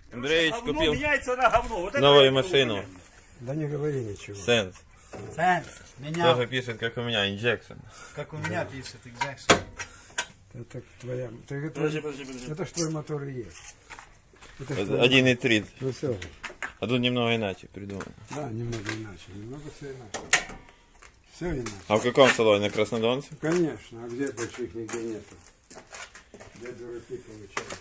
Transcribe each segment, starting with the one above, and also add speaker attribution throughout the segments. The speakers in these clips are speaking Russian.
Speaker 1: Андреевич
Speaker 2: Говно
Speaker 1: купил
Speaker 2: меняется на говно. Вот это
Speaker 1: новую
Speaker 2: я
Speaker 1: машину.
Speaker 2: говорю.
Speaker 3: Да не говори ничего.
Speaker 1: Сенс.
Speaker 4: Сенс, меня,
Speaker 1: Тоже пишет, как у меня, инжекшн.
Speaker 4: как у меня пишет, Exaction.
Speaker 3: Это твоя.
Speaker 2: Подожди.
Speaker 3: Это ж твой мотор и есть. Это ж твой
Speaker 1: 1,3.
Speaker 3: Ну все же.
Speaker 1: А тут немного иначе придумано.
Speaker 3: Да, немного иначе. Немного все иначе. Все иначе.
Speaker 1: А в каком салоне? На Краснодонце?
Speaker 3: Конечно, а где больших нигде нету? Где дураки получаешь?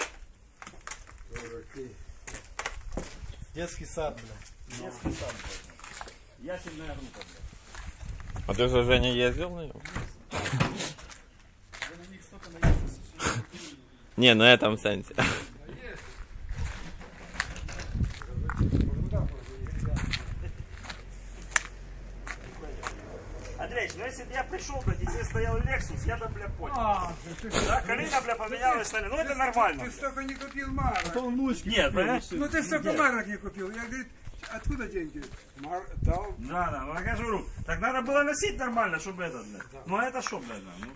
Speaker 3: Дураки.
Speaker 4: Детский сад, блядь.
Speaker 2: Детский сад, блядь. Ясельная группа, блядь.
Speaker 1: А ты уже, Женя, ездил на нем? Не, на этом сенсе.
Speaker 2: Андреевич, ну если бы я пришел, блядь, и здесь стоял Lexus, я бы, бля, понял. Да, колено, бля, поменялось, ну это нормально.
Speaker 3: Ты столько не купил марок.
Speaker 2: Нет, понимаешь?
Speaker 3: Ну ты столько марок не купил. Я говорю, откуда деньги? Дал.
Speaker 2: Да, ну я говорю, так надо было носить нормально, чтобы это, блядь. Ну а это что, блядь, ну?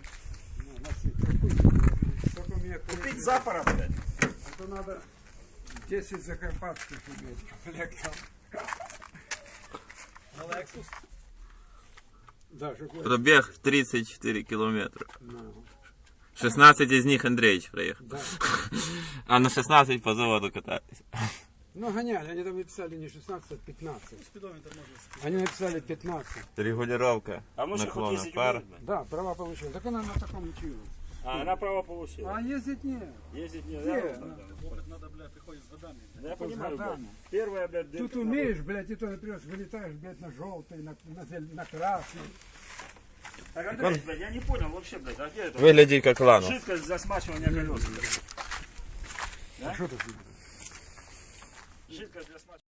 Speaker 3: Столько мне
Speaker 2: Купить запора, блядь.
Speaker 3: Это надо 10 закарпатских иметь комплектов.
Speaker 4: На Lexus.
Speaker 3: Да, чтобы...
Speaker 1: Пробег 34 километра.
Speaker 3: Ну,
Speaker 1: 16 из них Андреевич проехал.
Speaker 3: да.
Speaker 1: А на 16 по заводу катались.
Speaker 3: Ну гоняли, они там написали не 16, а 15.
Speaker 4: Спидометр можно.
Speaker 3: Они написали 15.
Speaker 1: Регулировка
Speaker 2: А мы же хоть
Speaker 1: наклона
Speaker 2: ездить
Speaker 1: пар.
Speaker 2: умеем, блядь.
Speaker 3: Да, права получила. Так она на таком училась.
Speaker 2: А, она право получила.
Speaker 3: А ездить нет.
Speaker 2: Ездить не
Speaker 3: Нет,
Speaker 2: надо.
Speaker 4: Опыт надо, блядь, приходит с годами.
Speaker 2: Да я понимаю, блядь.
Speaker 3: годами.
Speaker 2: Первая, блядь,
Speaker 3: Тут
Speaker 2: дырка,
Speaker 3: умеешь, блядь, и то, например, вылетаешь, блядь, на желтый, на красный.
Speaker 2: Так, Андрей, блядь, я не понял вообще, блядь, а где это?
Speaker 1: Выглядит как лану.
Speaker 2: Жидкость для смачивания колес.
Speaker 3: А что тут?
Speaker 2: Жидкость для смачивания.